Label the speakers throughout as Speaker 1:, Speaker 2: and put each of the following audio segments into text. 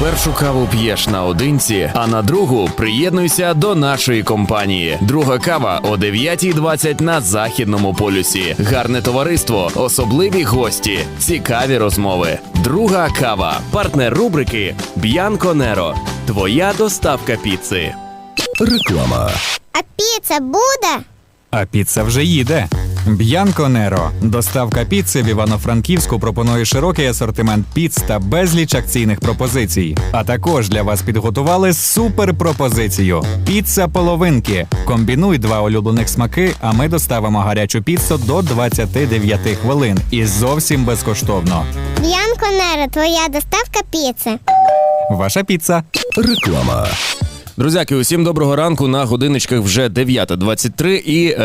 Speaker 1: Першу каву п'єш наодинці, а на другу приєднуйся до нашої компанії. Друга кава о 9:20 на Західному полюсі. Гарне товариство, особливі гості, цікаві розмови. Друга кава. Партнер рубрики Bianco Nero. Твоя доставка піци.
Speaker 2: Реклама.
Speaker 3: А піца буде?
Speaker 4: А піца вже їде. Bianco Nero. Доставка піци в Івано-Франківську пропонує широкий асортимент піц та безліч акційних пропозицій. А також для вас підготували суперпропозицію. Піца половинки. Комбінуй два улюблених смаки, а ми доставимо гарячу піцу до 29 хвилин. І зовсім безкоштовно.
Speaker 3: Bianco Nero, твоя доставка піци.
Speaker 4: Ваша піца.
Speaker 2: Реклама.
Speaker 1: Друзяки, усім доброго ранку, на годиночках вже 9:23 і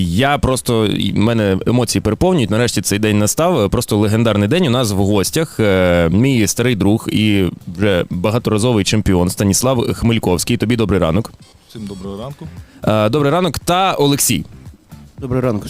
Speaker 1: в мене емоції переповнюють, нарешті цей день настав, просто легендарний день. У нас в гостях мій старий друг і вже багаторазовий чемпіон Станіслав Хмельковський. Тобі добрий ранок.
Speaker 5: Всім доброго ранку.
Speaker 1: Добрий ранок. Та Олексій.
Speaker 6: Доброго ранку.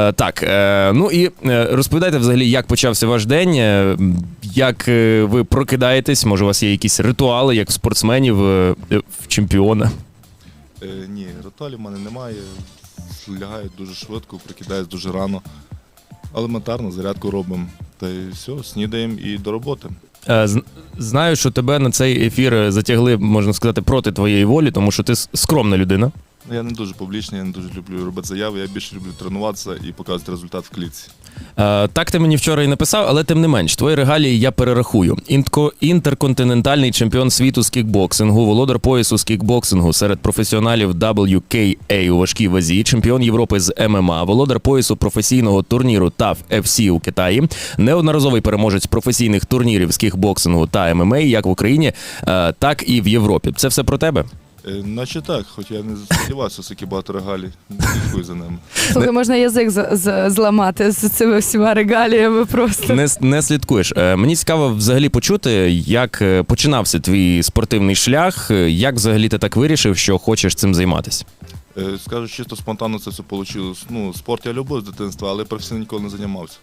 Speaker 1: Розповідайте взагалі, як почався ваш день, як ви прокидаєтесь, може у вас є якісь ритуали, як в спортсменів, в чемпіона?
Speaker 5: Ні, ритуалів в мене немає. Лягаю дуже швидко, прокидаюсь дуже рано. Елементарно, зарядку робимо. Та й все, снідаємо і до роботи.
Speaker 1: Знаю, що тебе на цей ефір затягли, можна сказати, проти твоєї волі, тому що ти скромна людина.
Speaker 5: Я не дуже публічний, я не дуже люблю робити заяви, я більше люблю тренуватися і показувати результат в клітці.
Speaker 1: Так ти мені вчора і написав, але тим не менш, твої регалії я перерахую. Інтерконтинентальний чемпіон світу з кікбоксингу, володар поясу з кікбоксингу серед професіоналів WKA у важкій вазі, чемпіон Європи з ММА, володар поясу професійного турніру TAF FC у Китаї, неодноразовий переможець професійних турнірів з кікбоксингу та ММА як в Україні, так і в Європі. Це все про тебе?
Speaker 5: Наче так, хоч я не сподівався, скільки багато регалій, не слідкую за ними.
Speaker 7: Слухай, можна язик зламати з цими всіма регаліями просто.
Speaker 1: Не слідкуєш. Мені цікаво взагалі почути, як починався твій спортивний шлях, як взагалі ти так вирішив, що хочеш цим займатися?
Speaker 5: Скажу чисто спонтанно це все вийшло. Спорт я любив з дитинства, але професійно ніколи не займався.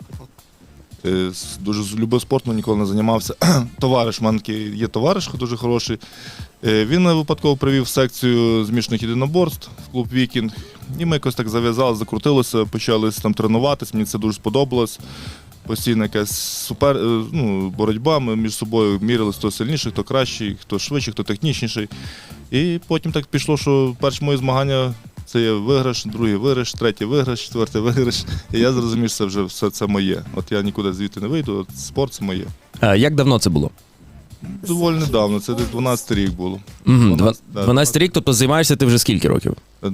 Speaker 5: Дуже любив спорт, але ніколи не займався. Товариш, в мене є товариш дуже хороший. Він мене випадково привів в секцію змішаних єдиноборств в клуб «Вікінг». І ми якось так зав'язали, закрутилося, почали там тренуватися, мені це дуже сподобалось. Постійна якась боротьба, ми між собою міряли, хто сильніший, хто кращий, хто швидший, хто технічніший. І потім так пішло, що перші мої змагання – це є виграш, другий виграш, третій виграш, четвертий виграш. І я зрозумів, що це вже все це моє. От я нікуди звідти не вийду, от спорт – це моє.
Speaker 1: Як давно це було?
Speaker 5: Доволі недавно, це десь 12 рік було.
Speaker 1: 12 рік, тобто займаєшся ти вже скільки років?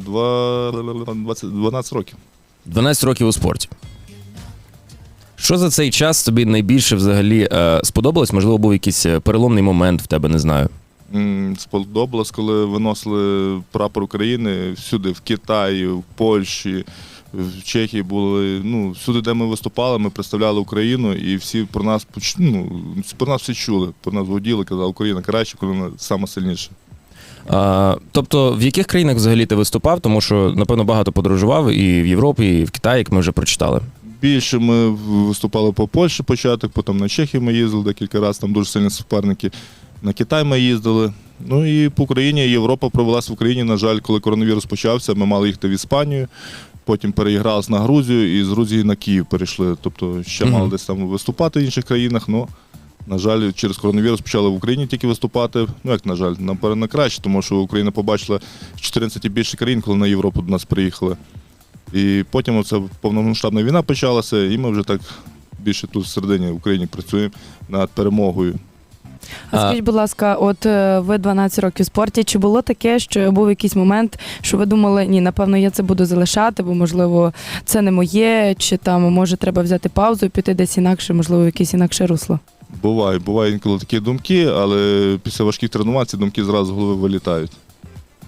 Speaker 5: 12 років.
Speaker 1: 12 років у спорті. Що за цей час тобі найбільше взагалі сподобалось? Можливо, був якийсь переломний момент в тебе, не знаю.
Speaker 5: Сподобалось, коли виносили прапор України всюди, в Китаї, в Польщі, в Чехії були, всюди, де ми виступали, ми представляли Україну, і всі про нас всі чули, про нас гуділи, казали, Україна краще, Україна сама сильніша.
Speaker 1: Тобто в яких країнах взагалі ти виступав? Тому що, напевно, багато подорожував і в Європі, і в Китаї, як ми вже прочитали.
Speaker 5: Більше ми виступали по Польщі початок, потім на Чехію ми їздили декілька разів, там дуже сильні суперники. На Китай ми їздили. І по Україні, Європа провелась в Україні. На жаль, коли коронавірус почався, ми мали їхати в Іспанію, потім переігралися на Грузію і з Грузії на Київ перейшли. Тобто ще мали десь там виступати в інших країнах, але, на жаль, через коронавірус почали в Україні тільки виступати. На жаль, нам на краще, тому що Україна побачила 14 і більше країн, коли на Європу до нас приїхали. І потім оце повномасштабна війна почалася, і ми вже так більше тут всередині в Україні працюємо над перемогою.
Speaker 7: А скажіть, будь ласка, от ви 12 років в спорті, чи було таке, що був якийсь момент, що ви думали, ні, напевно, я це буду залишати, бо, можливо, це не моє, чи там, може, треба взяти паузу і піти десь інакше, можливо, в якесь інакше русло?
Speaker 5: Буває інколи такі думки, але після важких тренувань ці думки зразу з голови вилітають.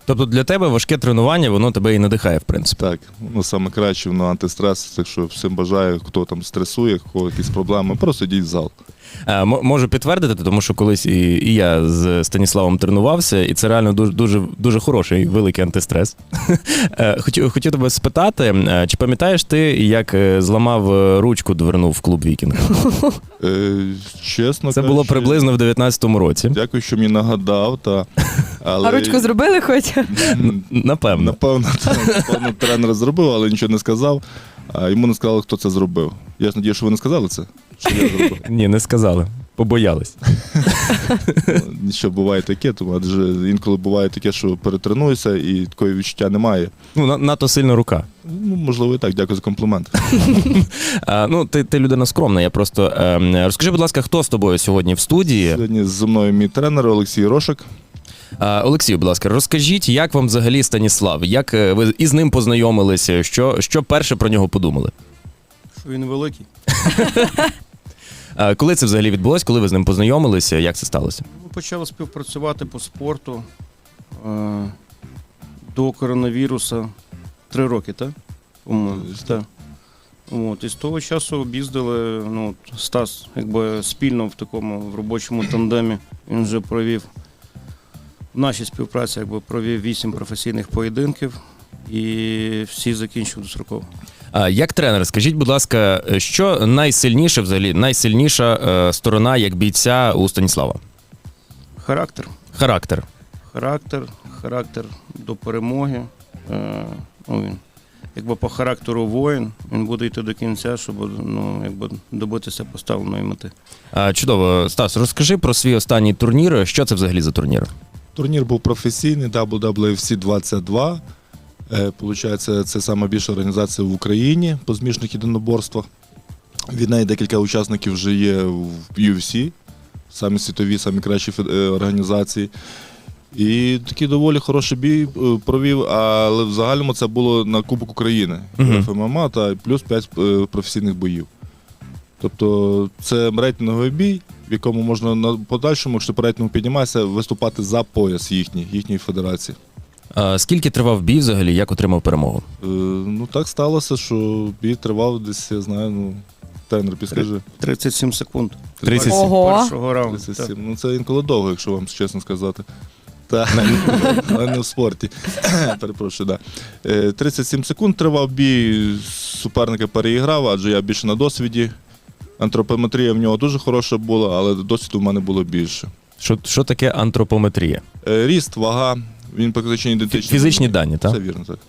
Speaker 1: Тобто для тебе важке тренування, воно тебе і надихає, в принципі.
Speaker 5: Так, ну саме краще, воно антистрес, так що всім бажаю, хто там стресує, кого якісь проблеми, просто йдіть в зал.
Speaker 1: Можу підтвердити, тому що колись і я з Станіславом тренувався, і це реально дуже хороший, великий антистрес. Хотів тебе спитати, чи пам'ятаєш ти, як зламав ручку дверну в клуб «Вікінг»?
Speaker 5: Чесно
Speaker 1: Це було
Speaker 5: кажучи,
Speaker 1: приблизно в 19-му році.
Speaker 5: Дякую, що мені нагадав. Але...
Speaker 7: А ручку зробили хоч?
Speaker 1: Напевно.
Speaker 5: Напевно, тренер зробив, але нічого не сказав. А йому не сказали, хто це зробив. Я ж надію, що ви не сказали це, що я зробив.
Speaker 1: Ні, не сказали. Побоялись.
Speaker 5: Нічого буває таке, тому адже інколи буває таке, що перетренуєшся і такої відчуття немає.
Speaker 1: Ну, надто сильно рука.
Speaker 5: Ну, можливо, і так. Дякую за комплімент.
Speaker 1: Ну, ти людина скромна, я просто... Розкажи, будь ласка, хто з тобою сьогодні в студії?
Speaker 5: Сьогодні зі мною мій тренер Олексій Рошик.
Speaker 1: Олексію, будь ласка, розкажіть, як вам взагалі Станіслав? Як ви із ним познайомилися? Що перше про нього подумали?
Speaker 6: Що він великий.
Speaker 1: Коли це взагалі відбулось? Коли ви з ним познайомилися? Як це сталося?
Speaker 6: Ми почали співпрацювати по спорту до коронавірусу 3 роки, так? По-моєму, так. От, і з того часу об'їздили, ну, Стас, якби спільно в робочому тандемі. Він вже провів в нашій співпраці, провів 8 професійних поєдинків і всі закінчив достроково.
Speaker 1: Як тренер, скажіть, будь ласка, що найсильніше взагалі, найсильніша сторона як бійця у Станіслава?
Speaker 6: Характер. Характер до перемоги. Він, по характеру воїн, він буде йти до кінця, щоб добитися поставленої мети.
Speaker 1: Чудово. Стас, розкажи про свій останній турнір. Що це взагалі за турнір?
Speaker 5: Турнір був професійний, WWFC 22. Получається, це найбільша організація в Україні по змішаних єдиноборствах. Від неї декілька учасників вже є в UFC, самі світові, самі кращі організації. І такий доволі хороший бій провів, але в загальному це було на Кубок України, ФММА та плюс 5 професійних боїв. Тобто це рейтинговий бій, в якому можна на подальшому, якщо по рейтингу піднімається, виступати за пояс їхньої федерації.
Speaker 1: Скільки тривав бій взагалі, як отримав перемогу?
Speaker 5: Ну так сталося, що бій тривав десь, я знаю, тренер підскажи.
Speaker 6: 37 секунд.
Speaker 1: 37.
Speaker 7: Ого.
Speaker 6: Першого раунду.
Speaker 5: 37. Ну це інколи довго, якщо вам чесно сказати. Так, але не в спорті. Перепрошую, так. 37 секунд тривав бій, суперника переіграв, адже я більше на досвіді. Антропометрія в нього дуже хороша була, але досвіду в мене було більше.
Speaker 1: Що таке антропометрія?
Speaker 5: Ріст, вага, він практично ідентичний.
Speaker 1: Фізичні дані, так?
Speaker 5: Це вірно, так.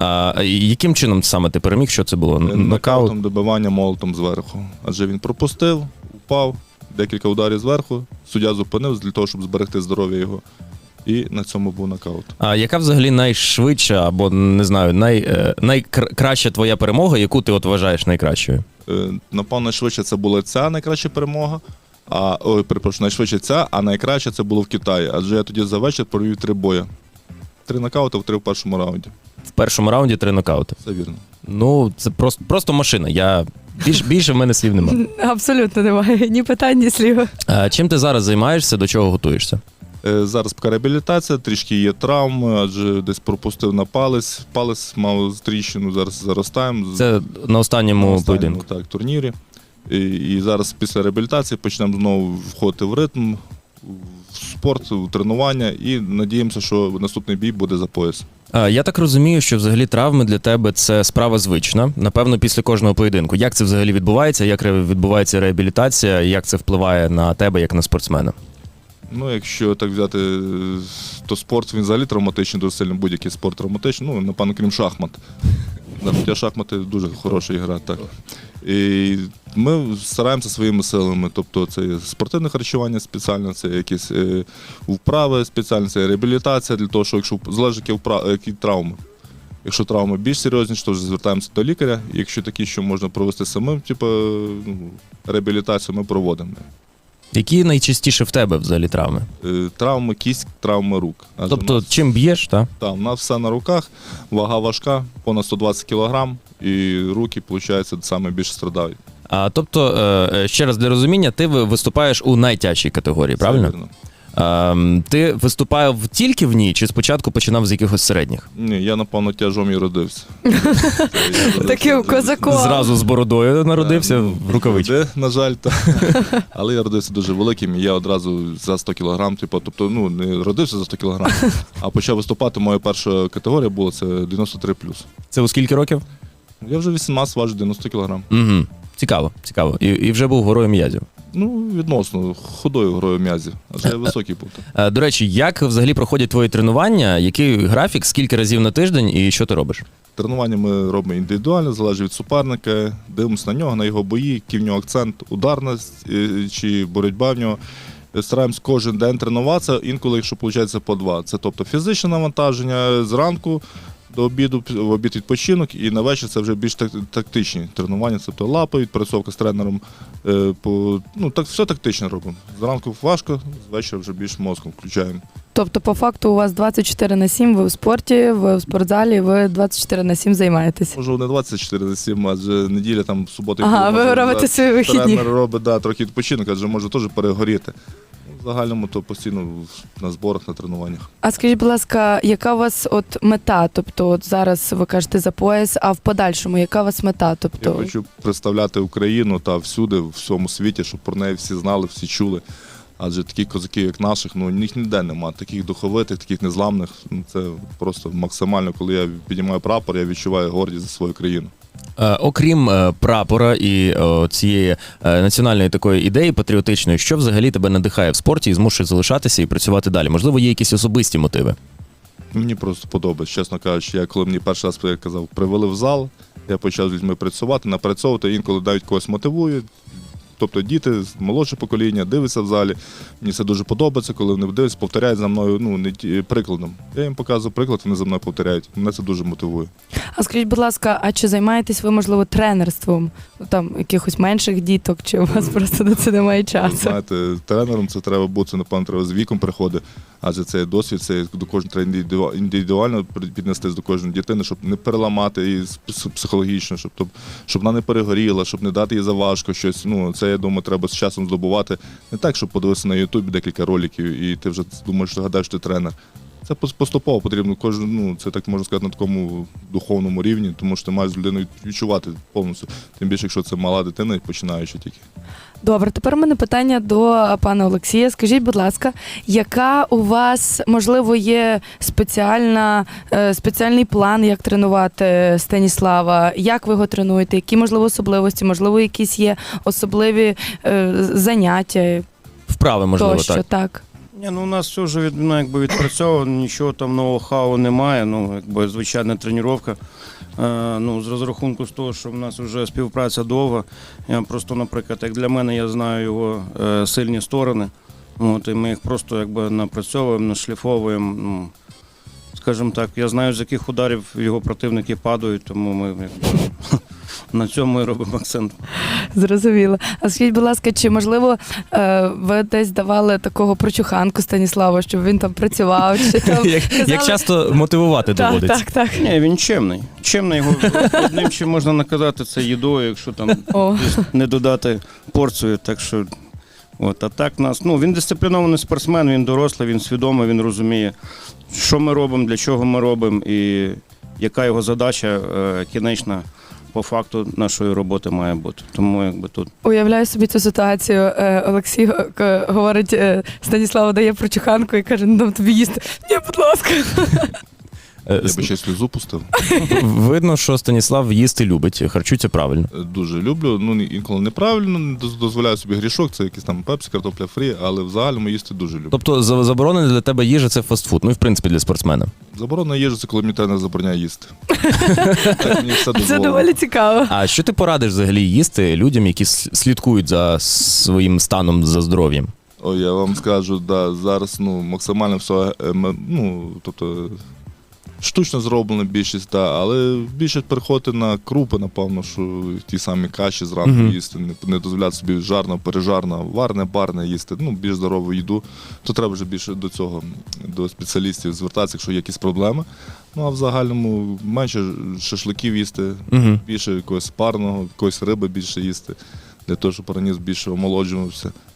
Speaker 1: Яким чином саме ти переміг? Що це було?
Speaker 5: Нокаутом, добивання молотом зверху. Адже він пропустив, упав, декілька ударів зверху, суддя зупинив для того, щоб зберегти здоров'я його. І на цьому був нокаут.
Speaker 1: А яка взагалі найшвидша або, не знаю, найкраща твоя перемога, яку ти вважаєш найкращою?
Speaker 5: Напевно, найшвидше це була ця найкраща перемога. Найшвидше ця, а найкраще це було в Китаї. Адже я тоді за вечір провів 3 бої. 3 нокаути, 3 в першому раунді.
Speaker 1: В першому раунді 3 нокаути.
Speaker 5: Це вірно.
Speaker 1: Ну, це просто машина. Більше в мене слів немає.
Speaker 7: Абсолютно немає. Ні питань, ні слів.
Speaker 1: Чим ти зараз займаєшся, до чого готуєшся?
Speaker 5: Зараз поки реабілітація, трішки є травми, адже десь пропустив на палець мав тріщину, зараз заростаємо.
Speaker 1: Це на останньому поєдинку?
Speaker 5: Так, турнірі. І зараз після реабілітації почнемо знову входити в ритм, в спорт, в тренування і надіємося, що наступний бій буде за пояс.
Speaker 1: Я так розумію, що взагалі травми для тебе це справа звична, напевно, після кожного поєдинку. Як це взагалі відбувається, як відбувається реабілітація, як це впливає на тебе, як на спортсмена?
Speaker 5: Ну, якщо так взяти, то спорт, він взагалі травматичний, дуже сильно будь-який спорт травматичний, ну, напевно, крім шахмат. Хоча шахмати дуже хороша гра, так. І ми стараємося своїми силами, тобто це спортивне харчування спеціальне, це якісь вправи спеціальні, це реабілітація для того, що якщо залежить які травми. Якщо травми більш серйозніші, то вже звертаємося до лікаря. Якщо такі, що можна провести самим, реабілітацію ми проводимо.
Speaker 1: Які найчастіше в тебе взагалі травми?
Speaker 5: Травми кість, травми рук.
Speaker 1: Тобто чим б'єш, так?
Speaker 5: Так, у нас все на руках, вага важка, понад 120 кг, і руки, виходить, саме більше страдають.
Speaker 1: Тобто, ще раз для розуміння, ти виступаєш у найтяжчій категорії, правильно?
Speaker 5: Вірно.
Speaker 1: Ти виступав тільки в ній, чи спочатку починав з якихось середніх?
Speaker 5: Ні, я, напевно, тяжом і родився.
Speaker 7: Таким козаком.
Speaker 1: Зразу з бородою народився в рукавичці.
Speaker 5: На жаль, але я родився дуже великим, і я одразу за 100 кг, тобто, не родився за 100 кг, а почав виступати. Моя перша категорія була це 93+.
Speaker 1: Це у скільки років?
Speaker 5: Я вже 18 важу 90 кг.
Speaker 1: Угу. Цікаво, цікаво. І вже був горою м'язів.
Speaker 5: Відносно худою грою м'язів, адже я високий був.
Speaker 1: До речі, як взагалі проходять твої тренування? Який графік, скільки разів на тиждень і що ти робиш?
Speaker 5: Тренування ми робимо індивідуально, залежить від суперника, дивимося на нього, на його бої, який в нього акцент, ударність чи боротьба в нього. Стараємось кожен день тренуватися, інколи, якщо виходить, по 2. Це тобто фізичне навантаження зранку до обіду, в обід відпочинок, і на вечір це вже більш тактичні тренування, тобто лапи, відпрацьовка з тренером, все тактично робимо. Зранку важко, з вечора вже більш мозком включаємо.
Speaker 7: Тобто, по факту, у вас 24/7, ви в спорті, ви в спортзалі, ви 24/7 займаєтесь.
Speaker 5: Можливо, не 24/7, адже неділя, там, субота.
Speaker 7: Ага, ви робите свої вихідні.
Speaker 5: Тренер робить, трохи відпочинок, адже може теж перегоріти. В загальному то постійно на зборах, на тренуваннях.
Speaker 7: А скажіть, будь ласка, яка у вас мета? Тобто, зараз ви кажете за пояс, а в подальшому, яка у вас мета?
Speaker 5: Я хочу представляти Україну та всюди, в всьому світі, щоб про неї всі знали, всі чули. Адже таких козаків, як наших, їх ніде немає. Таких духовитих, таких незламних. Це просто максимально, коли я піднімаю прапор, я відчуваю гордість за свою країну.
Speaker 1: Окрім прапора і цієї національної такої ідеї патріотичної, що взагалі тебе надихає в спорті і змушує залишатися і працювати далі? Можливо, є якісь особисті мотиви?
Speaker 5: Мені просто подобається, чесно кажучи. Коли мені перший раз, я казав, привели в зал, я почав з людьми працювати, напрацьовувати, інколи навіть когось мотивують. Тобто діти, молодше покоління, дивляться в залі. Мені це дуже подобається, коли вони дивляться, повторяють за мною прикладом. Я їм показую приклад, вони за мною повторяють. Мене це дуже мотивує.
Speaker 7: А скажіть, будь ласка, а чи займаєтесь ви, можливо, тренерством? Там якихось менших діток, чи у вас просто на це немає часу?
Speaker 5: Знаєте, тренером це треба бути, напевно, треба з віком приходити, адже це досвід, це до кожного треба індивідуально піднестись до кожної дитини, щоб не переламати її психологічно, щоб вона не перегоріла, щоб не дати їй заважко щось. Це, я думаю, треба з часом здобувати. Не так, щоб подивитися на Ютубі декілька роликів, і ти вже думаєш, що гадаєш, що ти тренер. Це поступово потрібно, це так можна сказати, на такому духовному рівні, тому що ти маєш з людиною відчувати повністю. Тим більше, якщо це мала дитина, починаючи тільки.
Speaker 7: Добре, тепер у мене питання до пана Олексія. Скажіть, будь ласка, яка у вас, можливо, є спеціальний план, як тренувати Станіслава? Як ви його тренуєте? Які, можливо, особливості? Можливо, якісь є особливі заняття?
Speaker 1: Вправи, можливо,
Speaker 7: тощо, так.
Speaker 6: У нас все вже відпрацьовано, нічого там нового немає, звичайна тренування. З розрахунку з того, що в нас вже співпраця довга, я просто, наприклад, як для мене, я знаю його сильні сторони, і ми їх просто напрацьовуємо, нашліфовуємо. Скажімо так, я знаю, з яких ударів його противники падають, тому ми на цьому і робимо акцент.
Speaker 7: Зрозуміло. А скажіть, будь ласка, чи, можливо, ви десь давали такого прочуханку Станіславу, щоб він там працював? Чи там
Speaker 1: Як часто мотивувати доводиться?
Speaker 7: Так.
Speaker 6: Ні, він чемний. Чемний, його одним чим можна наказати, це їдою, якщо там не додати порцію. Так що, а так нас, він дисциплінований спортсмен, він дорослий, він свідомий, він розуміє, що ми робимо, для чого ми робимо і яка його задача кінечна по факту нашої роботи має бути. Тому тут. Уявляю
Speaker 7: собі цю ситуацію. Олексій говорить, Станіславу дає прочуханку і каже, дам тобі їсти. Ні, будь ласка.
Speaker 5: Я би ще сльозу пустив.
Speaker 1: Видно, що Станіслав їсти любить, харчується правильно.
Speaker 5: Дуже люблю, інколи неправильно, не дозволяю собі грішок, це якийсь там пепсі, картопля фрі, але в загальному їсти дуже люблю.
Speaker 1: Тобто заборонена для тебе їжа – це фастфуд, в принципі, для спортсмена?
Speaker 5: Заборонена їжа – це коли мені тренер забороняє їсти. Мені все
Speaker 7: це доволі цікаво.
Speaker 1: А що ти порадиш взагалі їсти людям, які слідкують за своїм станом, за здоров'ям?
Speaker 5: Я вам скажу, зараз максимально все, тобто штучно зроблено більшість, але більше переходити на крупи, напевно, що ті самі каші зранку їсти, не дозволяти собі жарно, пережарно, варне, барне їсти, більш здорову їду, то треба вже більше до цього, до спеціалістів звертатися, якщо є якісь проблеми. А в загальному менше шашликів їсти, більше якогось парного, якоїсь риби більше їсти, для того, щоб організм більше омолоджувався.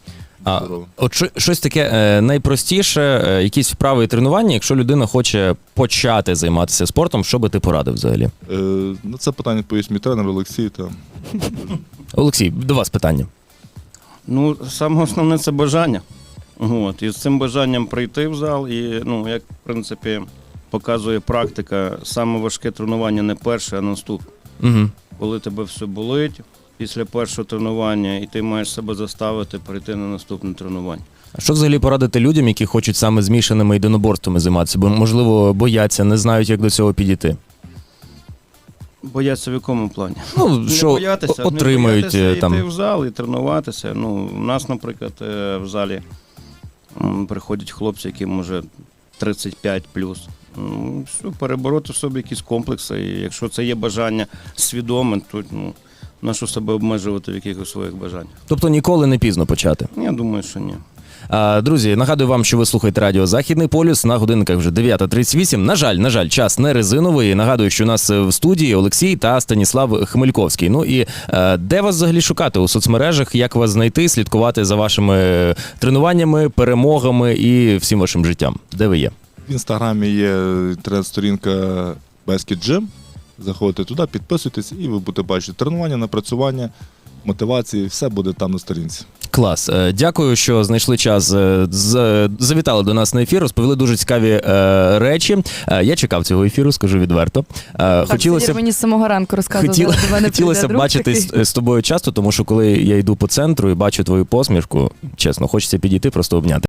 Speaker 1: А
Speaker 5: здоровий.
Speaker 1: от щось таке найпростіше, якісь вправи і тренування, якщо людина хоче почати займатися спортом, що би ти порадив взагалі?
Speaker 5: На це питання відповість мій тренер Олексій.
Speaker 1: Олексій, до вас питання.
Speaker 6: Ну, саме основне це бажання. От, і з цим бажанням прийти в зал, і, ну, як, в принципі, показує практика, саме важке тренування не перше, а наступне.
Speaker 1: Угу.
Speaker 6: Коли тебе все болить після першого тренування, і ти маєш себе заставити прийти на наступне тренування.
Speaker 1: А що взагалі порадити людям, які хочуть саме змішаними єдиноборствами займатися, бо, можливо, бояться, не знають, як до цього підійти?
Speaker 6: Бояться в якому плані?
Speaker 1: Ну, що отримають
Speaker 6: не боятися
Speaker 1: там.
Speaker 6: йти в зал і тренуватися. Ну, у нас, наприклад, в залі приходять хлопці, яким вже 35+. Ну, все, перебороти в собі якісь комплекси. І якщо це є бажання свідоме, то нащо себе обмежувати в якихось своїх бажаннях?
Speaker 1: Тобто ніколи не пізно почати.
Speaker 6: Я думаю, що ні.
Speaker 1: Друзі, нагадую вам, що ви слухаєте радіо «Західний полюс». На годинниках вже 9:38. На жаль, час не резиновий. Нагадую, що у нас в студії Олексій та Станіслав Хмельковський. Ну і де вас взагалі шукати у соцмережах? Як вас знайти, слідкувати за вашими тренуваннями, перемогами і всім вашим життям? Де ви є?
Speaker 5: В інстаграмі є інтернет-сторінка Basket Gym. Заходите туди, підписуйтесь і ви будете бачити тренування, напрацювання, мотивації. Все буде там на сторінці.
Speaker 1: Клас. Дякую, що знайшли час, завітали до нас на ефір, розповіли дуже цікаві речі. Я чекав цього ефіру, скажу відверто.
Speaker 7: Хотілося мені з самого ранку розказували.
Speaker 1: Хотілося б бачитись з тобою часто, тому що коли я йду по центру і бачу твою посмішку, чесно, хочеться підійти, просто обняти.